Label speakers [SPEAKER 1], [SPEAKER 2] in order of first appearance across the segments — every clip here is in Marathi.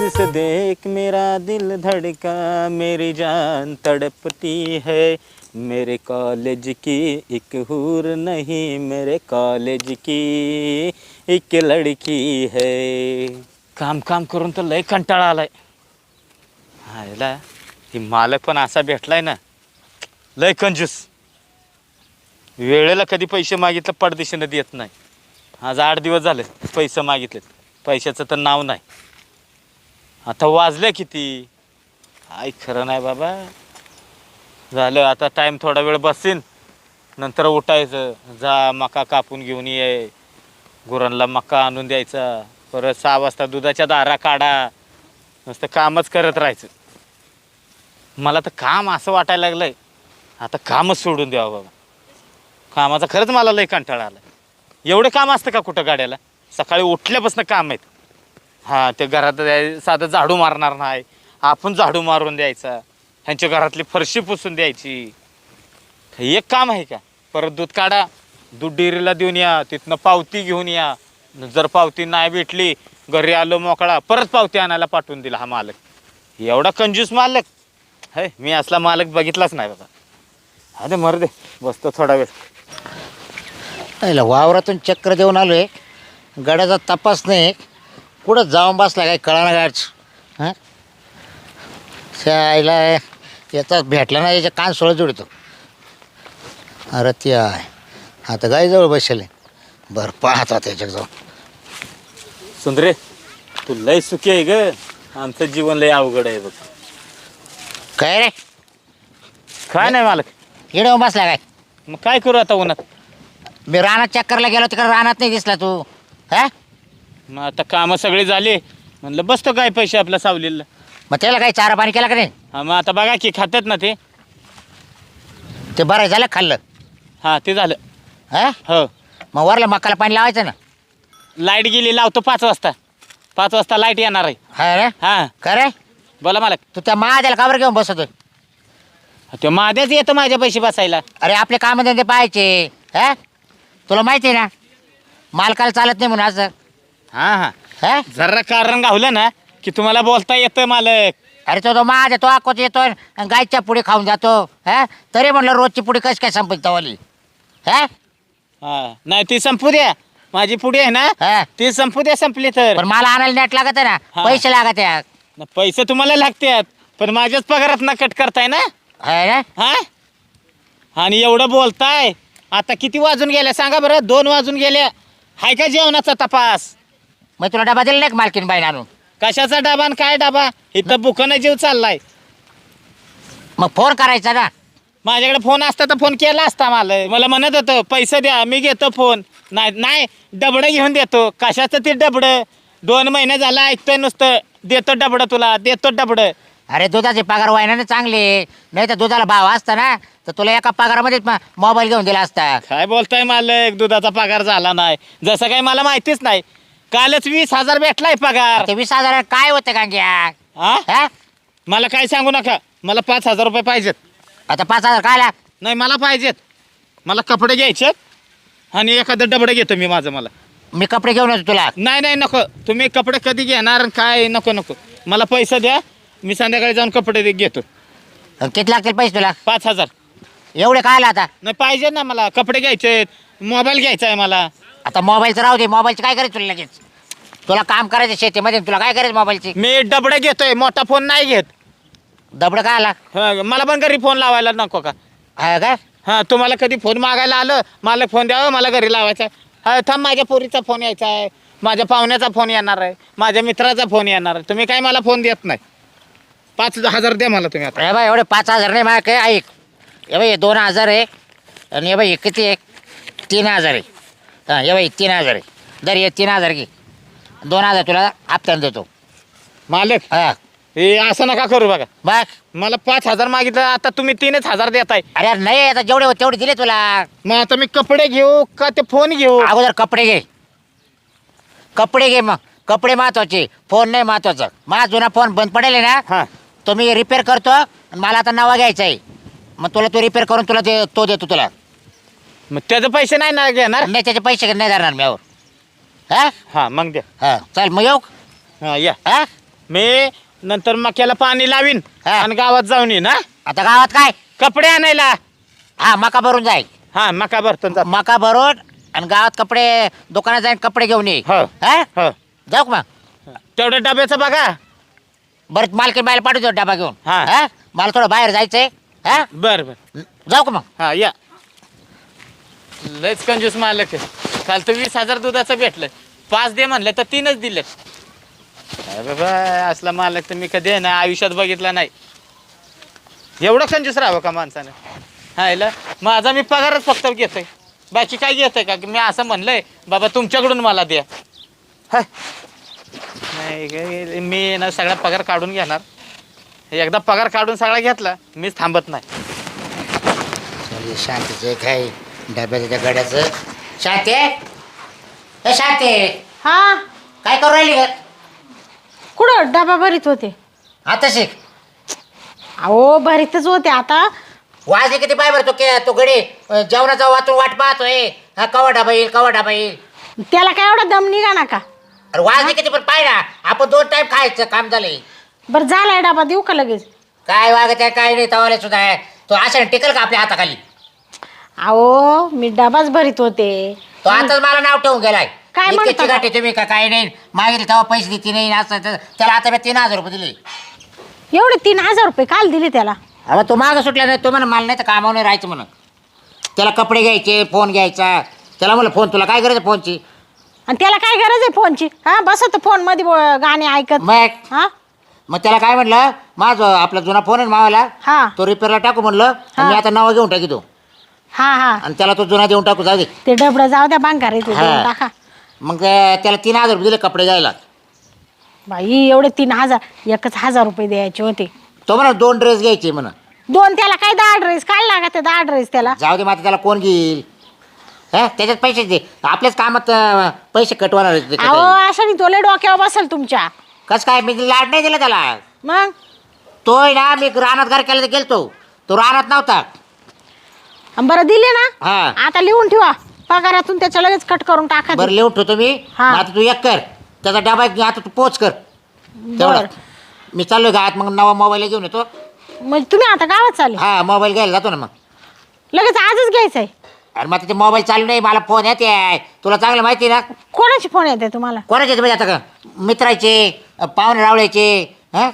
[SPEAKER 1] तुझसे देख मेरा दिल धड़का, मेरी जान तड़पती है। मेरे कॉलेज की एक हूर नहीं, मेरे कॉलेज की एक लड़की है. काम काम करून तर लय कंटाळा आलाय. हायला ही मालक पण असा भेटलाय ना, लय कंजूस. वेळेला कधी पैसे मागितलं पडदिशीनं देत नाही. आज 8 दिवस झाले पैसे मागितलेत, पैशाचं तर नाव नाही. आता वाजले किती, काय खरं नाही बाबा. झालं आता टाईम, थोडा वेळ बसीन, नंतर उठायचं. जा मका कापून घेऊन ये, गुरांना मका आणून द्यायचा. परत 6 वाजता दुधाच्या दारा काढा. नुसतं कामच करत राहायचं. मला तर काम असं वाटायला लागलंय आता कामच सोडून द्यावं बाबा. कामाचा खरंच मला लय कंटाळा आला. एवढे काम असतं का कुठं गाड्याला? सकाळी उठल्यापासून काम आहेत. हां, ते घरात साधं झाडू मारणार नाही, आपण झाडू मारून द्यायचा. ह्यांच्या घरातली फरशी पुसून द्यायची. एक काम आहे का? परत दूध काढा, दूध डेअरीला देऊन या, तिथनं पावती घेऊन या. जर पावती नाही भेटली, घरी आलो मोकळा, परत पावती आणायला पाठवून दिला हा मालक. एवढा कंजूस मालक है, मी असला मालक बघितलाच नाही बाबा. अरे मर दे, बसतो थोडा वेळ.
[SPEAKER 2] वावरातून चक्र देऊन आलोय, गड्याचा तपास नाही, कुठं जाऊन बसला काय कळा ना गाडच. हां, आईला याचा भेटला ना, याच्या कान सोळं जोडतो. अरे ती आहे आता गाईजवळ बसले. बरं पाहता त्याच्यात जाऊन.
[SPEAKER 1] सुंदरे, तू लय सुखी आहे ग, आमचं जीवन लय अवघड आहे बघ.
[SPEAKER 2] काय रे?
[SPEAKER 1] काय नाही मालक.
[SPEAKER 2] येऊन बसला काय?
[SPEAKER 1] मग काय करू आता उन्हात?
[SPEAKER 2] मी रानात चक्करला गेलो, तिकडे रानात नाही दिसला तू. हा,
[SPEAKER 1] मग आता कामं सगळी झाली, म्हणलं बसतो काय पैसे आपल्या सावलीला.
[SPEAKER 2] मग त्याला काही चारा पाणी केला का नाही?
[SPEAKER 1] हा, मग आता बघा की खातात ना ते.
[SPEAKER 2] ते बरं झालं खाल्लं.
[SPEAKER 1] हां, ते झालं.
[SPEAKER 2] हा,
[SPEAKER 1] हो,
[SPEAKER 2] मग वरला मकाला पाणी लावायचं ना.
[SPEAKER 1] लाईट गेली, लावतो 5 वाजता. 5 वाजता लाईट येणार आहे.
[SPEAKER 2] हा रे,
[SPEAKER 1] हां,
[SPEAKER 2] का रे?
[SPEAKER 1] बोला मालक.
[SPEAKER 2] तू त्या महाद्याला काबर घेऊन बसतोय?
[SPEAKER 1] ते माझ्याच येतं माझ्या पैसे बसायला.
[SPEAKER 2] अरे आपले कामधंदे पाहायचे. हा, तुला माहिती आहे ना, मालकाला चालत नाही म्हणून असं.
[SPEAKER 1] हां हां,
[SPEAKER 2] हा,
[SPEAKER 1] जरा कारण गावलं ना की तुम्हाला बोलता येतं मालक.
[SPEAKER 2] अरे तो माझ्या तो आकोच येतो आणि गायच्या पुढे खाऊन जातो. हा, तरी म्हणलं रोजची पुढे कशी काय संपत तवाली. हा,
[SPEAKER 1] हां, नाही ती संपू द्या. माझी पुढे आहे ना,
[SPEAKER 2] हा,
[SPEAKER 1] ती संपू द्या. संपली तर
[SPEAKER 2] पण मला आणायला नेट लागत आहे ना,
[SPEAKER 1] हा.
[SPEAKER 2] पैसे लागत आहे.
[SPEAKER 1] न, पैसे तुम्हाला लागतात, पण माझ्याच पगारात ना कट करताय ना.
[SPEAKER 2] है ना?
[SPEAKER 1] हा, आणि एवढं बोलताय. आता किती वाजून गेल्या सांगा बरं? 2 वाजून गेल्या. हाय का जेवणाचा तपास?
[SPEAKER 2] मग तुला डबा दिला नाही का मालकीन बाईन आणून?
[SPEAKER 1] कशाचा डबा आणि काय डबा? इथं बुकानं जीव चाललाय.
[SPEAKER 2] मग फोन करायचा ना.
[SPEAKER 1] माझ्याकडे फोन असता तर फोन केला असता. मला म्हणत होतं पैसे द्या, मी घेतो फोन. नाही नाही, डबडं घेऊन देतो. कशाचं ते डबडं? 2 महिने झाला ऐकतोय नुसतं, देतो डबडं तुला, देतो डबडं.
[SPEAKER 2] अरे दुधाचे पगार व्हायना ना चांगले, नाही तर दुधाला भाव असता ना तर तुला एका पगारामध्येच मोबाईल घेऊन दिला असता.
[SPEAKER 1] काय बोलताय मालक? दुधाचा पगार झाला नाही जसं काही मला माहितीच नाही. कालच 20,000 भेटलाय पगार.
[SPEAKER 2] ते 20,000 काय होतं का घ्या?
[SPEAKER 1] हा, मला काय सांगू नका. मला 5,000 रुपये पाहिजेत.
[SPEAKER 2] आता 5,000 काय?
[SPEAKER 1] नाही, मला पाहिजेत. मला कपडे घ्यायचे आणि एखादं डबडं घेतो मी माझं. मला
[SPEAKER 2] मी कपडे घेऊन येतो तुला.
[SPEAKER 1] नाही नाही, नको. तुम्ही कपडे कधी घेणार आणि काय? नको नको, मला पैसे द्या. मी संध्याकाळी जाऊन कपडे घेतो.
[SPEAKER 2] किती लागतील पैसे तुला?
[SPEAKER 1] 5,000.
[SPEAKER 2] एवढे काय आता?
[SPEAKER 1] नाही, पाहिजे ना मला. कपडे घ्यायचे, मोबाईल घ्यायचा आहे मला.
[SPEAKER 2] आता मोबाईलचं राहू दे. मोबाईलचं काय करायचं तुला लगेच? तुला काम करायचं शेतीमध्ये, तुला काय करायचं मोबाईलची?
[SPEAKER 1] मी डबडं घेतोय, मोठा फोन नाही घेत.
[SPEAKER 2] दबडं काय आला?
[SPEAKER 1] मला पण घरी फोन लावायला नको का?
[SPEAKER 2] हा काय?
[SPEAKER 1] हां, तुम्हाला कधी फोन मागायला आलं, मला फोन द्यावं, मला घरी लावायचा आहे. हा, थांब, माझ्या पोरीचा फोन यायचा आहे, माझ्या पाहुण्याचा फोन येणार आहे, माझ्या मित्राचा फोन येणार आहे. तुम्ही काय मला फोन देत नाही. 5,000 द्या मला तुम्ही आता.
[SPEAKER 2] हे बाई एवढे 5,000 नाही माझ्या काय. ऐक, हे बाई 2,000 आहे आणि हे बाई किती आहे? 3,000 आहे. हां, हे बाई 3,000 आहे. दर ये 3,000 घे. 2,000 तुला हप्त्यानं देतो.
[SPEAKER 1] मालक,
[SPEAKER 2] हां,
[SPEAKER 1] हे असं नका करू बघा.
[SPEAKER 2] बघ.
[SPEAKER 1] मला 5,000 मागितलं, आता तुम्ही 3,000 देताय.
[SPEAKER 2] अरे नाही, आता जेवढे होते तेवढे दिले तुला.
[SPEAKER 1] मग आता मी कपडे घेऊ का ते फोन घेऊ?
[SPEAKER 2] अगोदर कपडे घे. कपडे घे, मग कपडे महत्वाचे, फोन नाही महत्वाचा. माझा जुना फोन बंद पडेल ना,
[SPEAKER 1] हां,
[SPEAKER 2] तो मी रिपेअर करतो आणि मला आता नवा घ्यायचा आहे. मग तुला तो रिपेअर करून तुला तो देतो तुला.
[SPEAKER 1] मग त्याचे पैसे नाही ना घेणार?
[SPEAKER 2] नाही, त्याचे पैसे नाही धरणार मी. हां
[SPEAKER 1] हां, मग द्या.
[SPEAKER 2] हां, चल मग येऊ.
[SPEAKER 1] हां, या.
[SPEAKER 2] हां,
[SPEAKER 1] मी नंतर मक्याला पाणी लावीन
[SPEAKER 2] हा.
[SPEAKER 1] आणि गावात जाऊन येईन हा
[SPEAKER 2] आता गावात काय
[SPEAKER 1] कपडे आणायला.
[SPEAKER 2] हा मका भरून जाईल.
[SPEAKER 1] हा मका भरतो ना.
[SPEAKER 2] मका भरून आणि गावात कपडे दुकानात जाईन कपडे घेऊन ये.
[SPEAKER 1] हो.
[SPEAKER 2] हा
[SPEAKER 1] हो
[SPEAKER 2] जाऊ का मग?
[SPEAKER 1] तेवढ्या डब्याचं बघा.
[SPEAKER 2] बरं मालकीन बायला पाठवतो डबा घेऊन.
[SPEAKER 1] हा.
[SPEAKER 2] हा मला थोडं बाहेर जायचंय. हा
[SPEAKER 1] बर बर
[SPEAKER 2] जाऊ का मग?
[SPEAKER 1] हा या. लयच कंजूस मालक आहे. काल तर 20,000 दुधाचं भेटलं. 5 दे म्हणलं तर 3च दिले. बाबा असला मालक तर मी कधी आहे ना आयुष्यात बघितला नाही. एवढं कंजूस राहावं का माणसानं? हा याला माझा मी पगारच फक्त घेतोय. बाकी काय घेतोय का की मी असं म्हणलंय बाबा तुमच्याकडून मला द्या. हाय नाही मी ना सगळा पगार काढून घेणार. एकदा पगार काढून सगळा घेतला मीच थांबत नाही.
[SPEAKER 2] शांतीचं काय डब्याचं त्या गड्याचं. शांती ए शांती
[SPEAKER 3] हा
[SPEAKER 2] काय करू राहिली ग?
[SPEAKER 3] कुठं डबा भरीत होते?
[SPEAKER 2] आता शिक.
[SPEAKER 3] अहो भरीतच होते आता.
[SPEAKER 2] वाजले किती पाय भरतो तो गडी जेवणाचा वाचून वाट पाहतोय. हा कवा डबा येईल कवा डबा येईल.
[SPEAKER 3] त्याला काय एवढा दम निघा ना का?
[SPEAKER 2] अरे वाजले किती पण पाय ना आपण 2 टाइम खायचं काम झालंय.
[SPEAKER 3] बरं झालाय डबा देऊ का लगेच?
[SPEAKER 2] काय वागत आहे काय नाही तवाले सुद्धा आहे. तो अशा टिकल का आपल्या हाताखाली?
[SPEAKER 3] अहो मी डबाच भरीत होते.
[SPEAKER 2] तो आताच मला नाव ठेवून गेलाय.
[SPEAKER 3] काय म्हणता
[SPEAKER 2] इतकी गाठी तुम्ही का काय नाही मागितले तेव्हा पैसे देते नाही असं त्याला आता मी 3,000 रुपये दिले.
[SPEAKER 3] एवढे 3,000 रुपये काल दिले त्याला?
[SPEAKER 2] अहो तो मागं सुटला नाही. तो म्हणा मला नाही तर कामावर नाही राहायचं म्हणून. त्याला कपडे घ्यायचे फोन घ्यायचा. त्याला म्हणलं फोन तुला काय गरज आहे फोनची?
[SPEAKER 3] आणि त्याला काय गरज आहे फोनची? हा बसत फोन मध्ये गाणे ऐकत.
[SPEAKER 2] मग
[SPEAKER 3] हा
[SPEAKER 2] मग त्याला काय म्हटलं माझं आपला जुना फोन आहे मावाला
[SPEAKER 3] हा
[SPEAKER 2] तो रिपेअरला टाकू म्हणलं.
[SPEAKER 3] हा.
[SPEAKER 2] मी आता नाव घेऊन टाकी तो
[SPEAKER 3] हा हा
[SPEAKER 2] आणि त्याला तो जुना देऊन टाकू जाऊ दे.
[SPEAKER 3] ते डबडं जाऊ द्या बांकार येते
[SPEAKER 2] हा.
[SPEAKER 3] टाका.
[SPEAKER 2] मग त्याला 3,000 रुपये दिले कपडे घ्यायला.
[SPEAKER 3] बाई एवढे 3,000 एकच 1,000 रुपये द्यायचे होते.
[SPEAKER 2] तो म्हणा 2 ड्रेस घ्यायचे म्हणा.
[SPEAKER 3] 2 त्याला काय 10 ड्रेस काय लागत 10 ड्रेस त्याला?
[SPEAKER 2] जाऊ दे मग आता त्याला कोण घेईल? हा त्याच्यात पैसे दे आपल्याच कामात पैसे कटवणार आहेत ते
[SPEAKER 3] अहो
[SPEAKER 2] काही.
[SPEAKER 3] अशा तोले डोक्यावर बसल तुमच्या.
[SPEAKER 2] कसं काय मी लाड नाही दिला त्याला.
[SPEAKER 3] मग
[SPEAKER 2] तोय ना मी रानात घर केलं तर गेलतो तो रानात नव्हता.
[SPEAKER 3] बरं दिले ना.
[SPEAKER 2] हा
[SPEAKER 3] आता लिहून ठेवा पगारातून त्याच्या लगेच कट करून टाका.
[SPEAKER 2] बरं लिहून ठेवतो मी.
[SPEAKER 3] हा.
[SPEAKER 2] मग आता तू एक कर त्याचा डबा आता तू पोच कर तेवढं.
[SPEAKER 3] बरं.
[SPEAKER 2] मी चाललोय गावात मग नवा मोबाईल घेऊन येतो.
[SPEAKER 3] म्हणजे तुम्ही आता गावात चालले?
[SPEAKER 2] हा मोबाईल घ्यायला जातो ना मग.
[SPEAKER 3] लगेच आजच घ्यायचंय?
[SPEAKER 2] अरे मग ते मोबाईल चालू नाही मला फोन येते तुला चांगलं माहिती ना.
[SPEAKER 3] कोणाचे फोन येते तुम्हाला?
[SPEAKER 2] कोणाचे म्हणजे आता का मित्राचे पाहुणे रावळ्याचे. हा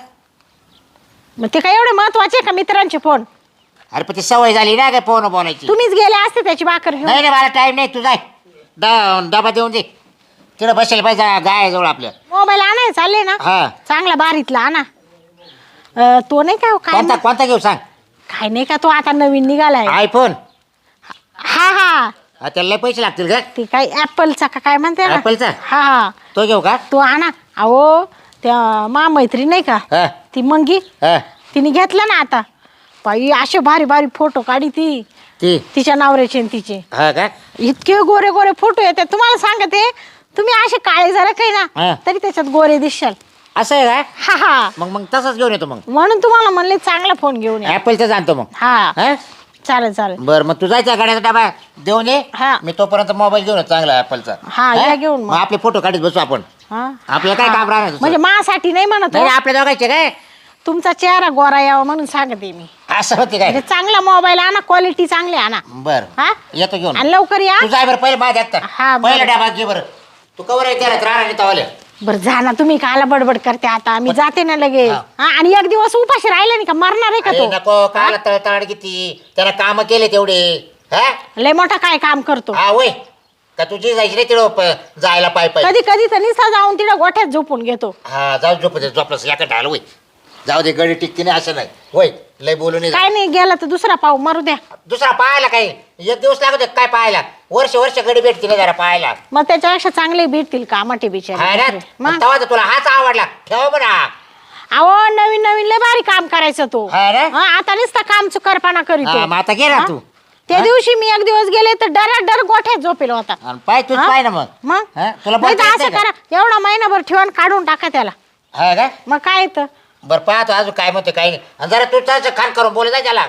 [SPEAKER 3] मग ते काय एवढे महत्वाचे का मित्रांचे फोन?
[SPEAKER 2] अरे पण ती सवय झाली ना काय फोन बोलायची.
[SPEAKER 3] तुम्हीच गेले असते त्याची भाकर घेऊन.
[SPEAKER 2] नाही नाही मला टाईम नाही तू जाय डबा देऊन दे तिकडे बसेल पाहिजे गाय जवळ आपल्या.
[SPEAKER 3] मोबाईल आणाय चालले ना?
[SPEAKER 2] हा
[SPEAKER 3] चांगला बारीतला आणा. तो नाही का काय
[SPEAKER 2] कोणता कोणता घेऊ सांग.
[SPEAKER 3] काय नाही का तो आता नवीन निघालाय?
[SPEAKER 2] आयफोन.
[SPEAKER 3] हा हा
[SPEAKER 2] त्याला लय पैसे लागतील का?
[SPEAKER 3] ते काय ऍपलचा का काय म्हणते ना?
[SPEAKER 2] ऍपलचा?
[SPEAKER 3] हा हा
[SPEAKER 2] तो घेऊ का?
[SPEAKER 3] तो आणा. अहो त्या मैत्री नाही का
[SPEAKER 2] हा
[SPEAKER 3] ती मंगी
[SPEAKER 2] हा
[SPEAKER 3] तिने घेतला ना आता. बाई असे भारी भारी फोटो काढी ती
[SPEAKER 2] ती
[SPEAKER 3] तिच्या नवऱ्याचे आणि तिचे.
[SPEAKER 2] हा का?
[SPEAKER 3] इतके गोरे गोरे फोटो येतात तुम्हाला सांगते. तुम्ही असे काळे जरा काही
[SPEAKER 2] हा.
[SPEAKER 3] ना तरी त्याच्यात गोरे दिसशाल.
[SPEAKER 2] असं आहे का?
[SPEAKER 3] हा हा
[SPEAKER 2] मग तसंच घेऊन येतो मग.
[SPEAKER 3] म्हणून तुम्हाला म्हणले चांगला फोन घेऊन या.
[SPEAKER 2] ऍपलचाच आणतो मग.
[SPEAKER 3] हा
[SPEAKER 2] हा
[SPEAKER 3] चालेल चालेल.
[SPEAKER 2] बरं मग तू जायचा गाड्याचा डबा देऊन ये.
[SPEAKER 3] हा.
[SPEAKER 2] मी तोपर्यंत मोबाईल घेऊन येतो चांगला ऍपलचा.
[SPEAKER 3] हा, या घेऊन मग.
[SPEAKER 2] मग आपले फोटो काढत बसू आपण.
[SPEAKER 3] हा
[SPEAKER 2] आपल्याला काय
[SPEAKER 3] हा.
[SPEAKER 2] काम राहणार दुसरं?
[SPEAKER 3] म्हणजे माझ्यासाठी नाही म्हणत
[SPEAKER 2] नाही
[SPEAKER 3] हो.
[SPEAKER 2] आपल्या दोघांचे काय
[SPEAKER 3] तुमचा चेहरा गोरा यावा म्हणून सांगते मी.
[SPEAKER 2] असं होते काय?
[SPEAKER 3] म्हणजे चांगला मोबाईल आणा क्वालिटी चांगली आणा.
[SPEAKER 2] बर
[SPEAKER 3] हा
[SPEAKER 2] येतो घेऊन.
[SPEAKER 3] आणि लवकर या.
[SPEAKER 2] तू जाय बरं पहिले माझ्या
[SPEAKER 3] हा, बरं.
[SPEAKER 2] पहिला डबा घे बरं. तू कवर आहे त्याला राहणार तवाले.
[SPEAKER 3] बरं जा ना तुम्ही काला बडबड करते आता मी जाते ना लगे.
[SPEAKER 2] हा.
[SPEAKER 3] हा आणि एक दिवस उपाशी राहिले नाही का मरणार आहे का
[SPEAKER 2] अरे
[SPEAKER 3] तो?
[SPEAKER 2] नको काला तळतळ किती त्याला काम केले तेवढे. हा
[SPEAKER 3] लय मोठा काय काम करतो.
[SPEAKER 2] हा वय का तुझी जायची नाही तिकडं जायला पाय पाय.
[SPEAKER 3] कधी कधी तर निसा जाऊन तिला गोठ्यात झोपून घेतो.
[SPEAKER 2] हा जाऊ झोपलंस याकडे ढाल वय. जाऊ दे गडी टिकती नाही असं नाही वय लय बोलू नाही.
[SPEAKER 3] काय नाही गेला तर दुसरा पाहू मारू द्या.
[SPEAKER 2] दुसरा पाहायला काय 1 दिवस लागत काय पाहायला. वर्ष वर्ष गडी भेटती नाही जरा पाहायला.
[SPEAKER 3] मग त्याच्यापेक्षा चांगले भेटतील कामाटे
[SPEAKER 2] हा ना
[SPEAKER 3] बिचारे. मग
[SPEAKER 2] तेव्हा तर तुला हाच आवडला ठेव म्हणा.
[SPEAKER 3] अहो नवीन नवीन लय भारी काम करायचं तो.
[SPEAKER 2] हा ना?
[SPEAKER 3] हा, आता नुसता काम चुकारपणा करीतो.
[SPEAKER 2] हा, मग आता गेला
[SPEAKER 3] हा?
[SPEAKER 2] तू.
[SPEAKER 3] त्या
[SPEAKER 2] हा?
[SPEAKER 3] दिवशी मी एक दिवस गेले तर डर गोठ्यात झोपेल होता.
[SPEAKER 2] आणि पाय तूच
[SPEAKER 3] हा?
[SPEAKER 2] पाय ना मग.
[SPEAKER 3] मग
[SPEAKER 2] हा? तुला
[SPEAKER 3] नाही
[SPEAKER 2] बोलता
[SPEAKER 3] तर
[SPEAKER 2] येत
[SPEAKER 3] असं
[SPEAKER 2] नाही
[SPEAKER 3] करा एवढा महिनाभर ठेवून काढून टाका त्याला.
[SPEAKER 2] हा का?
[SPEAKER 3] मग काय येतं?
[SPEAKER 2] बरं पाहतो अजून काय म्हणते काही नाही. आणि जरा तू त्याचं खान करून बोलत आहे त्याला.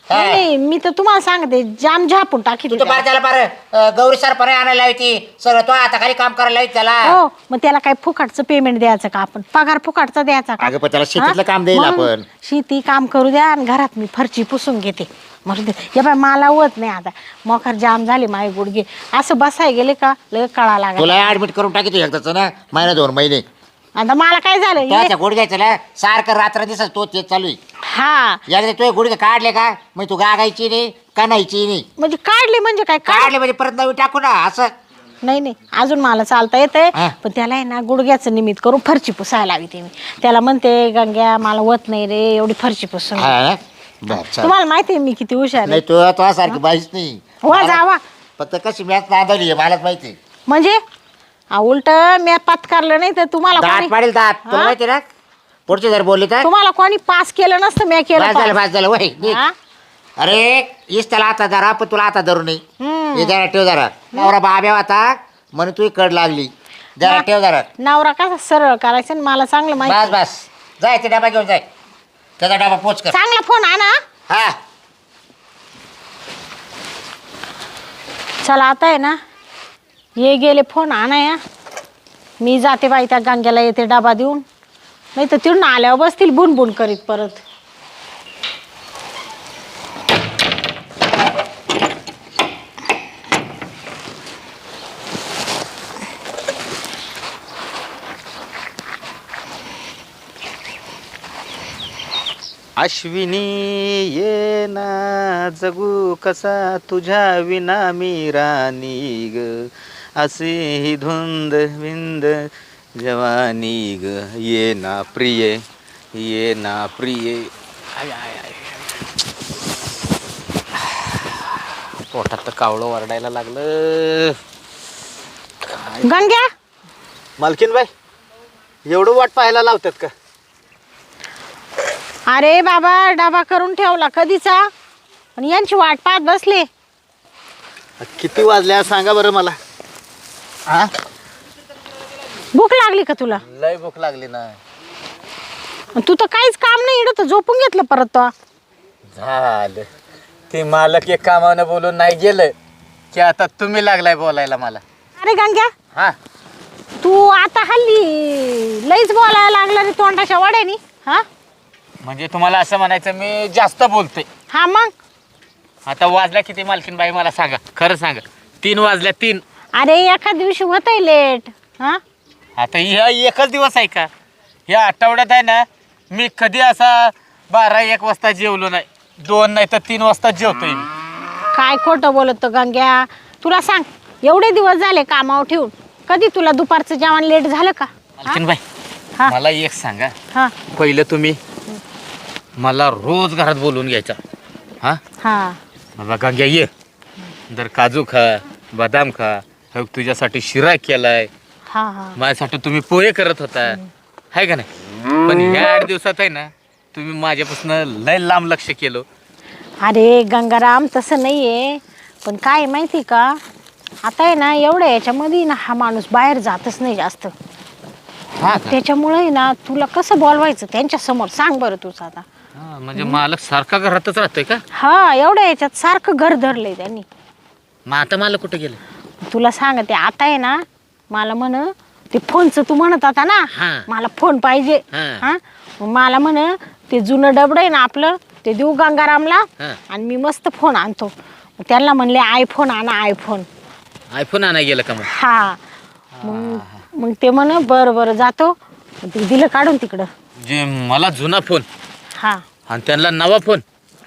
[SPEAKER 2] हा.
[SPEAKER 3] नाही मी तर तुम्हाला सांगते जाम झापून टाकी
[SPEAKER 2] तू तर बार त्याला बार गौरी सरपणे आणायला होती सगळं तो आता खाली काम करायला होती त्याला.
[SPEAKER 3] हो मग त्याला काय फुकटचं पेमेंट द्यायचं का आपण पगार फुकटचा द्यायचा का
[SPEAKER 2] अगं पण त्याला शेतीतलं
[SPEAKER 3] हा?
[SPEAKER 2] काम देईल
[SPEAKER 3] म्हणून
[SPEAKER 2] आपण.
[SPEAKER 3] शेती काम करू द्या आणि घरात मी फरची पुसून घेते म्हणून हे बाय मला होत नाही आता मोखर जाम झाले माझे गुडघे असं बसाय गेले का लय कळा लागला
[SPEAKER 2] तुला ऍडमिट करून टाकी तू एकदाच ना महिना 2 महिने.
[SPEAKER 3] आता मला काय झालं हे-
[SPEAKER 2] त्याच्या गुडघ्याचं ना सारखं रात्र दिसत तो तेच चालू आहे.
[SPEAKER 3] हा
[SPEAKER 2] एकदा तुझे गुडघे काढले का मग तू गागायची नाही कणायची नाही.
[SPEAKER 3] म्हणजे काढले म्हणजे काय
[SPEAKER 2] काढले म्हणजे परत नवी टाकू ना असं.
[SPEAKER 3] नाही नाही अजून मला चालता येतंय
[SPEAKER 2] हा.
[SPEAKER 3] पण त्याला आहे ना गुडघ्याचं निमित्त करून फरची पुसायला हवी ते मी त्याला म्हणते गंग्या मला होत नाही रे एवढी फरची पुसून घे."
[SPEAKER 2] हा ना? बरं, चल.
[SPEAKER 3] तुम्हाला माहिती आहे मी किती हुशार आहे
[SPEAKER 2] नाही तू सारखी बाईच नाही.
[SPEAKER 3] वा जावा
[SPEAKER 2] फक्त कशी मॅच नांदवली आहे मलाच माहिती.
[SPEAKER 3] म्हणजे उलट मी पत्कारलं नाही तर तुम्हाला
[SPEAKER 2] दात
[SPEAKER 3] कोणी
[SPEAKER 2] पाडेल दात तुला
[SPEAKER 3] हा?
[SPEAKER 2] माहिती ना पुढचे जर बोलले तर
[SPEAKER 3] तुम्हाला कोणी पास केलं नसतं मी केलं
[SPEAKER 2] बस झालं
[SPEAKER 3] pass.
[SPEAKER 2] बस झालं वय निघ.
[SPEAKER 3] हा?
[SPEAKER 2] अरे इस त्याला आता धरा पण तुला आता धरू नाही.
[SPEAKER 3] हम्म.
[SPEAKER 2] हे जरा ठेव जरा नवरा बाब्या होता म्हणून तू कड लागली जरा
[SPEAKER 3] ना-
[SPEAKER 2] ठेव जरा.
[SPEAKER 3] नवरा कसा सरळ करायचं आणि मला चांगलं
[SPEAKER 2] बस
[SPEAKER 3] माहिती
[SPEAKER 2] बस जाय ते डबा घेऊन जाय त्याचा डबा पोच कर.
[SPEAKER 3] चांगला फोन आणा
[SPEAKER 2] हा
[SPEAKER 3] चला आता आहे ना ये गेले फोन आणा या मी जाते बाई त्या गांग्याला येते डबा देऊन नाही तर तिथून आल्यावर बसतील बुनबुन करीत परत
[SPEAKER 1] अश्विनी ये ना जगू कसा तुझ्या विना मी राणी ग असे ही धुंद विंद जवानी ग ये ना प्रिय ये ना प्रिय आय आय आय पोटात तर कावळं वरडायला लागलं.
[SPEAKER 3] गंग्या
[SPEAKER 1] मालकीन बाई एवढं वाट पाहायला लावतात का?
[SPEAKER 3] अरे बाबा डबा करून ठेवला कधीचा आणि यांची वाट पाहत बसले
[SPEAKER 1] किती वाजल्या सांगा बरं मला.
[SPEAKER 2] हा
[SPEAKER 3] भूक लागली का तुला
[SPEAKER 1] लय भूक लागली ना.
[SPEAKER 3] आणि तू तर काहीच काम नाही इकडं तर झोपून घेतलं परत तो
[SPEAKER 1] झालं ते मालक एक कामानं बोलून नाही गेलं की आता तुम्ही लागलाय बोलायला मला.
[SPEAKER 3] अरे गंग्या
[SPEAKER 1] हा
[SPEAKER 3] तू आता हल्ली लईच बोलायला लागला रे तोंडाच्या वड्यानी हा
[SPEAKER 1] म्हणजे तुम्हाला असं म्हणायचं मी जास्त बोलतोय.
[SPEAKER 3] हा मग
[SPEAKER 1] आता वाजल्या किती मालकीन बाई मला सांगा खरं सांगा. 3 वाजल्या 3.
[SPEAKER 3] अरे एका दिवशी होतंय लेट हा
[SPEAKER 1] आता ह्या एकच दिवस आहे का? ह्या आठवड्यात आहे ना मी कधी असा 12-1 वाजता जेवलो नाही. 2 नाही तर 3 वाजता जेवतोय मी.
[SPEAKER 3] काय खोटं बोलत तो गंग्या तुला सांग एवढे दिवस झाले कामावर ठेवून कधी तुला दुपारचं जेवण लेट झालं का हा?
[SPEAKER 1] मालकीन बाई
[SPEAKER 3] हा
[SPEAKER 1] मला एक सांगा.
[SPEAKER 3] हा
[SPEAKER 1] पहिलं तुम्ही मला रोज घरात बोलवून घ्यायचा. हा
[SPEAKER 3] हा
[SPEAKER 1] बाबा गंग्या ये जर काजू खा बदाम खा हो तुझ्यासाठी शिरा केलाय
[SPEAKER 3] हा हा
[SPEAKER 1] माझ्यासाठी तुम्ही पोहे करत होता आहे का नाही. पण ह्या 8 दिवसात आहे ना तुम्ही माझ्यापासून लय लांब लक्ष केलं.
[SPEAKER 3] अरे गंगाराम तसं नाहीये पण काय माहिती का आता आहे ना एवढ्या याच्यामध्ये ना हा माणूस बाहेर जातच नाही जास्त
[SPEAKER 1] हा का?
[SPEAKER 3] त्याच्यामुळे ना तुला कसं बोलवायचं त्यांच्या समोर सांग बरं तुझं आता
[SPEAKER 1] हा, म्हणजे मालक सारखा घरातच राहतोय का?
[SPEAKER 3] हा एवढ्या याच्यात सारखं घर धरलंय त्यांनी
[SPEAKER 1] मग आता मालक कुठे गेले?
[SPEAKER 3] तुला सांगते आता आहे ना मला म्हण ते फोनचं तू म्हणत होता ना
[SPEAKER 1] हा.
[SPEAKER 3] मला फोन पाहिजे
[SPEAKER 1] हा.
[SPEAKER 3] हा मग मला म्हण ते जुनं डबड आहे ना आपलं ते देऊ गंगारामला
[SPEAKER 1] हा.
[SPEAKER 3] आणि मी मस्त फोन आणतो मग त्यांना म्हणले आयफोन आणा आयफोन
[SPEAKER 1] आयफोन आणाय गेलं का मग?
[SPEAKER 3] हा मग ते म्हण बरं बरं जातो मग ते दिलं काढून तिकडं
[SPEAKER 1] जे मला जुना फोन
[SPEAKER 3] हा
[SPEAKER 1] आणि त्यांना नवा फोन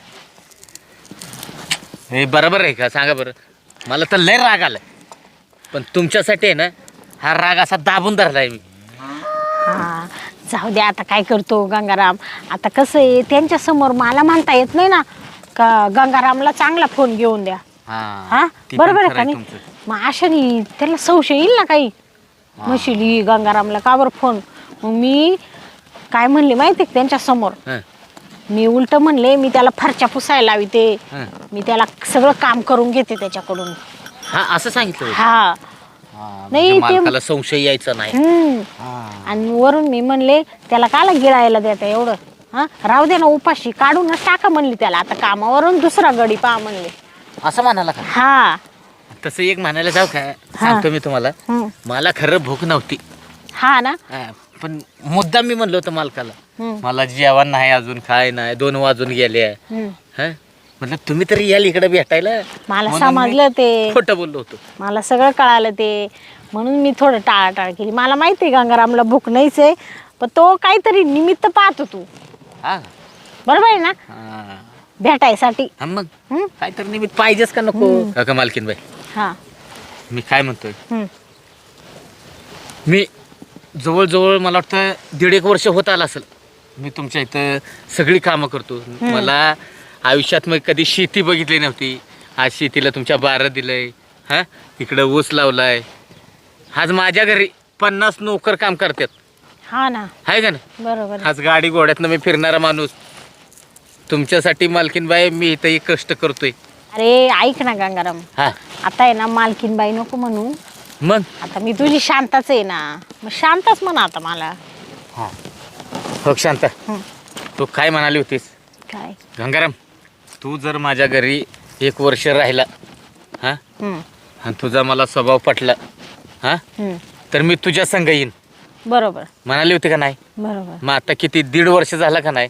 [SPEAKER 1] हे बरोबर आहे का सांगा बरं. मला तर लय राग आलाय पण तुमच्यासाठी आहे ना हा राग असा दाबून धरलाय मी.
[SPEAKER 3] हा जाऊ दे आता काय करतो गंगाराम आता कसं आहे त्यांच्या समोर मला म्हणता येत नाही ना का गंगारामला चांगला फोन घेऊन द्या हा
[SPEAKER 1] ती पण
[SPEAKER 3] बरोबर आहे
[SPEAKER 1] खरं
[SPEAKER 3] का
[SPEAKER 1] आहे
[SPEAKER 3] नाही
[SPEAKER 1] तुमचं.
[SPEAKER 3] मग अशाने त्याला संशय येईल ना काही म्हशीली गंगारामला का बरं फोन मग मी काय म्हणले माहिती का त्यांच्या समोर
[SPEAKER 1] हं,
[SPEAKER 3] मी उलट म्हणले मी त्याला फरच्या पुसायला लावी ते
[SPEAKER 1] हं.
[SPEAKER 3] मी त्याला सगळं काम करून घेते त्याच्याकडून
[SPEAKER 1] हा असं सांगितलं होतं.
[SPEAKER 3] हा
[SPEAKER 1] म्हणजे
[SPEAKER 3] नाही, ते-
[SPEAKER 1] मालकाला संशय यायचा नाही.
[SPEAKER 3] हम्म
[SPEAKER 1] हा.
[SPEAKER 3] आणि वरून मी म्हणले त्याला काला गिळायला देता एवढं हा राहू दे ना उपाशी, काढूनच टाका म्हणली त्याला, आता कामावरून दुसरा गडी पहा म्हणले.
[SPEAKER 2] असं म्हणाला का?
[SPEAKER 3] हा.
[SPEAKER 2] तसं एक म्हणायला जाऊ का, सांगतो मी तुम्हाला,
[SPEAKER 3] हम्म.
[SPEAKER 2] मला खरं भूक नव्हती.
[SPEAKER 3] हा ना.
[SPEAKER 2] पण मुद्दाम मी म्हणलो होतं मालकाला,
[SPEAKER 3] हम्म.
[SPEAKER 2] मला जेवण नाही अजून, काय नाही, 2 वाजून गेले.
[SPEAKER 3] हम्म.
[SPEAKER 2] म्हटलं तुम्ही तरी याल इकडे भेटायला.
[SPEAKER 3] मला
[SPEAKER 2] म्हणून
[SPEAKER 3] समजलं ते,
[SPEAKER 2] खोटं बोललो होतो.
[SPEAKER 3] मला सगळं कळालं ते, म्हणून मी थोडं टाळाटाळ केली. मला माहिती आहे गंगारामला भूक नाहीच आहे, पण तो काहीतरी निमित्त पाहतो तू,
[SPEAKER 2] हा
[SPEAKER 3] बरोबर आहे ना,
[SPEAKER 2] हा.
[SPEAKER 3] भेटायसाठी.
[SPEAKER 2] हा मग
[SPEAKER 3] हम्म.
[SPEAKER 2] काहीतरी निमित्त पाहिजेच का नको? काका मालकीन बाई,
[SPEAKER 3] हा.
[SPEAKER 2] मी काय म्हणतोय,
[SPEAKER 3] हम्म.
[SPEAKER 2] मी जवळजवळ मला वाटतं 1.5 वर्ष होत आलं असेल मी तुमच्या इथं सगळी कामं करतो. मला आयुष्यात मग कधी शेती बघितली नव्हती. आज शेतीला तुमच्या बारं दिलंय, हा इकडं ऊस लावलाय. आज माझ्या घरी 50 नोकर काम करतात,
[SPEAKER 3] हा ना,
[SPEAKER 2] आहे का ना.
[SPEAKER 3] बरोबर आहे.
[SPEAKER 2] आज गाडी घोड्यातनं मी फिरणारा माणूस. तुमच्यासाठी मालकीनबाई मी इथं एक कष्ट करतोय.
[SPEAKER 3] अरे ऐक ना गंगाराम,
[SPEAKER 2] हा
[SPEAKER 3] आता आहे ना मालकीन बाई नको म्हणू,
[SPEAKER 2] मग
[SPEAKER 3] आता मी तुझी शांताच आहे ना, मग शांताच म्हणा आता मला.
[SPEAKER 2] हो शांता,
[SPEAKER 3] हं.
[SPEAKER 2] तू काय म्हणाली होतीस?
[SPEAKER 3] काय?
[SPEAKER 2] गंगाराम, तू जर माझ्या घरी 1 वर्ष राहिला, हा
[SPEAKER 3] हं.
[SPEAKER 2] आणि तुझा मला स्वभाव पटला, हा
[SPEAKER 3] हं.
[SPEAKER 2] तर मी तुझ्या संग येईन
[SPEAKER 3] बरोबर
[SPEAKER 2] म्हणाली होती का नाही?
[SPEAKER 3] बरोबर.
[SPEAKER 2] मग आता किती 1.5 वर्ष झाला का नाही?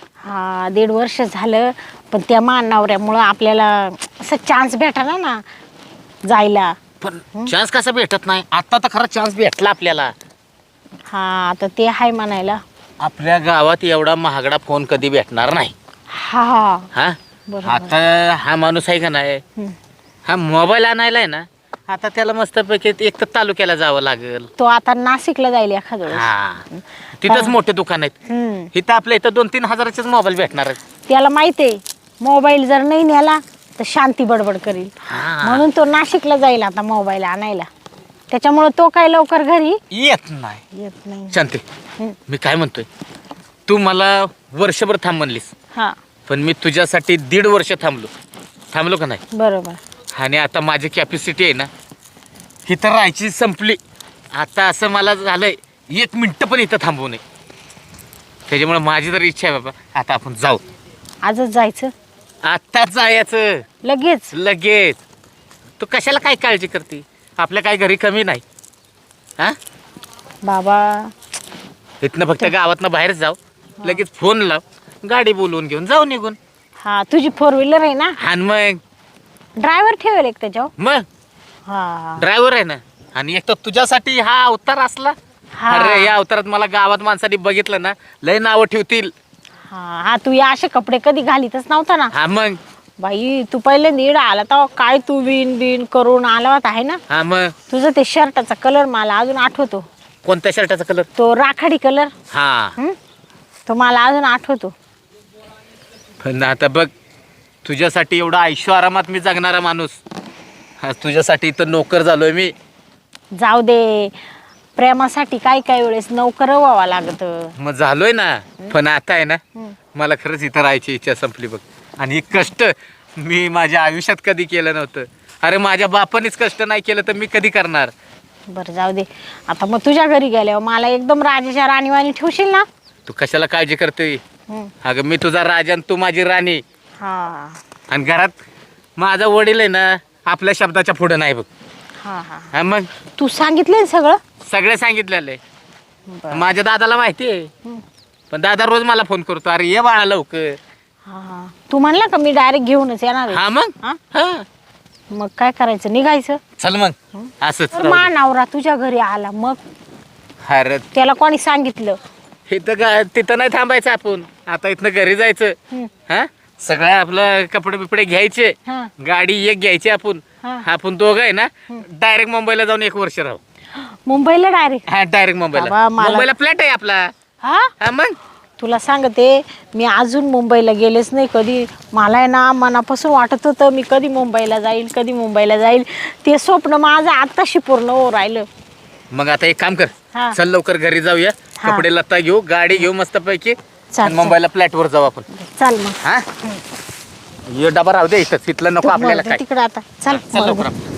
[SPEAKER 3] हा 1.5 वर्ष झालं, पण त्या नवऱ्यामुळं आपल्याला असं चान्स भेटला ना जायला.
[SPEAKER 2] पण चान्स कसा भेटत नाही? आता तर खरा चान्स भेटला आपल्याला.
[SPEAKER 3] हा आता ते आहे म्हणायला.
[SPEAKER 2] आपल्या गावात एवढा महागडा फोन कधी भेटणार नाही.
[SPEAKER 3] हा
[SPEAKER 2] हा
[SPEAKER 3] बरोबर.
[SPEAKER 2] आता हा माणूस आहे का नाही,
[SPEAKER 3] हं.
[SPEAKER 2] हा मोबाईल आणायला आहे ना, आता त्याला मस्तपैकी एक तर तालुक्याला जावं लागेल.
[SPEAKER 3] तो आता नाशिकला जाईल एखाद वेळेस.
[SPEAKER 2] हा तिथंच मोठे दुकान आहेत.
[SPEAKER 3] हं.
[SPEAKER 2] इथं आपल्या इथं 2-3 हजाराचेच मोबाईल भेटणार आहेत.
[SPEAKER 3] त्याला माहिती आहे मोबाईल जर नाही नेला तर शांती बडबड करील,
[SPEAKER 2] हा.
[SPEAKER 3] म्हणून तो नाशिकला जाईल आता मोबाईल आणायला. त्याच्यामुळे तो काय लवकर घरी
[SPEAKER 2] येत नाही.
[SPEAKER 3] येत नाही.
[SPEAKER 2] शांती,
[SPEAKER 3] हं.
[SPEAKER 2] मी काय म्हणतोय, तू मला वर्षभर थांब म्हणलीस,
[SPEAKER 3] हा
[SPEAKER 2] पण मी तुझ्यासाठी 1.5 वर्ष थांबलो का नाही?
[SPEAKER 3] बरोबर.
[SPEAKER 2] आणि आता माझी कॅपॅसिटी आहे ना, इथं राहायची संपली. आता असं मला झालंय 1 मिनिट पण इथं थांबवू नये. त्याच्यामुळे माझी तर इच्छा आहे बाबा, आता आपण जाऊ.
[SPEAKER 3] आजच जायचं
[SPEAKER 2] आत्ताच जायचं,
[SPEAKER 3] लगेच.
[SPEAKER 2] लगेच. तू कशाला काय काळजी करते? आपल्या काय घरी कमी नाही. हा
[SPEAKER 3] बाबा
[SPEAKER 2] इथनं फक्त गावातनं बाहेर जाऊ, लगेच फोन लाव, गाडी बोलवून घेऊन जाऊ निघून.
[SPEAKER 3] हा तुझी 4 व्हीलर आहे ना,
[SPEAKER 2] आणि मग
[SPEAKER 3] ड्रायव्हर ठेवेल एक त्याच्यावर.
[SPEAKER 2] मग
[SPEAKER 3] हा
[SPEAKER 2] ड्रायव्हर आहे ना. आणि एक तर तुझ्यासाठी हा अवतार असला.
[SPEAKER 3] हा.
[SPEAKER 2] अरे या अवतारात मला गावात माणसाने बघितलं ना, लय नावं ठेवतील.
[SPEAKER 3] हा हा तू या असे कपडे कधी घालीतच नव्हता ना.
[SPEAKER 2] हा मग
[SPEAKER 3] बाई तू पहिले नीड आला तर काय तू विन बिन करून आला होता आहे ना.
[SPEAKER 2] हा मग
[SPEAKER 3] तुझं ते शर्टाचा कलर मला अजून आठवतो,
[SPEAKER 2] कोणत्या शर्टाचा कलर?
[SPEAKER 3] तो राखाडी कलर.
[SPEAKER 2] हा
[SPEAKER 3] तो मला अजून आठवतो.
[SPEAKER 2] पण आता बघ, तुझ्यासाठी एवढा आयुष्य आरामात मी जगणारा माणूस, हा तुझ्यासाठी इथं नोकर झालोय मी.
[SPEAKER 3] जाऊ दे, प्रेमासाठी काय काय वेळेस नोकर व्हावा लागत.
[SPEAKER 2] मग झालोय ना, पण आता आहे ना, मला खरंच इथं राहायची इच्छा संपली बघ. आणि हे कष्ट मी माझ्या आयुष्यात कधी केलं नव्हतं. अरे माझ्या बापानेच कष्ट नाही केलं तर मी कधी करणार?
[SPEAKER 3] बरं जाऊ दे, आता मग तुझ्या घरी गेल्यावर मला एकदम राजाच्या राणीवाणी ठेवशील ना.
[SPEAKER 2] तू कशाला काळजी करतोय?
[SPEAKER 3] हं.
[SPEAKER 2] अगं मी तुझा राजा आणि तू माझी राणी.
[SPEAKER 3] हा
[SPEAKER 2] आणि घरात माझा वडील आहे ना, आपल्या शब्दाच्या पुढं नाही बघ.
[SPEAKER 3] हा हा
[SPEAKER 2] हा मग
[SPEAKER 3] तू सांगितलंय सगळं.
[SPEAKER 2] सगळे सांगितलेलं आहे.
[SPEAKER 3] बरं.
[SPEAKER 2] माझ्या दादाला माहिती आहे.
[SPEAKER 3] हं.
[SPEAKER 2] पण दादा रोज मला फोन करतो, अरे ये बाळा लवकर.
[SPEAKER 3] हा हा तू म्हणला का मी डायरेक्ट घेऊनच येणार आहे.
[SPEAKER 2] हा मग
[SPEAKER 3] हा?
[SPEAKER 2] हा
[SPEAKER 3] मग काय करायचं, निघायचं.
[SPEAKER 2] चल मग असंच
[SPEAKER 3] तर
[SPEAKER 2] राहू
[SPEAKER 3] मा
[SPEAKER 2] दे.
[SPEAKER 3] नवरा तुझ्या घरी आला मग
[SPEAKER 2] अरे
[SPEAKER 3] त्याला कोणी सांगितलं.
[SPEAKER 2] तिथं नाही थांबायचं आपण, आता इथनं घरी जायचं.
[SPEAKER 3] हं.
[SPEAKER 2] हा सगळं आपलं कपडे बिपडे घ्यायचे,
[SPEAKER 3] हा
[SPEAKER 2] गाडी एक घ्यायची आपण.
[SPEAKER 3] हा.
[SPEAKER 2] आपण दोघं आहे ना, डायरेक्ट मुंबईला जाऊन 1 वर्ष राहू.
[SPEAKER 3] मुंबईला डायरेक्ट.
[SPEAKER 2] हा डायरेक्ट मुंबईला.
[SPEAKER 3] बाबा, मला-
[SPEAKER 2] मुंबईला फ्लॅट आहे आपला.
[SPEAKER 3] हा
[SPEAKER 2] हा मग
[SPEAKER 3] तुला सांगते, मी अजून मुंबईला गेलेच नाही कधी. मला आहे ना मनापासून वाटत होतं मी कधी मुंबईला जाईल, कधी मुंबईला जाईल. ते स्वप्न माझं आत्ताशी पूर्ण हो राहिलं.
[SPEAKER 2] मग आता एक काम कर,
[SPEAKER 3] हा.
[SPEAKER 2] चल लवकर घरी जाऊया,
[SPEAKER 3] हा.
[SPEAKER 2] कपडे लत्ता घेऊ, गाडी घेऊ मस्तपैकी,
[SPEAKER 3] चल,
[SPEAKER 2] आणि मुंबईला फ्लॅटवर जाऊ आपण.
[SPEAKER 3] चल मग
[SPEAKER 2] हा ये डबा राहू दे इथं, तिथलं नको आपल्याला काय.
[SPEAKER 3] तिकडे आता चल
[SPEAKER 2] चल लवकर आपण.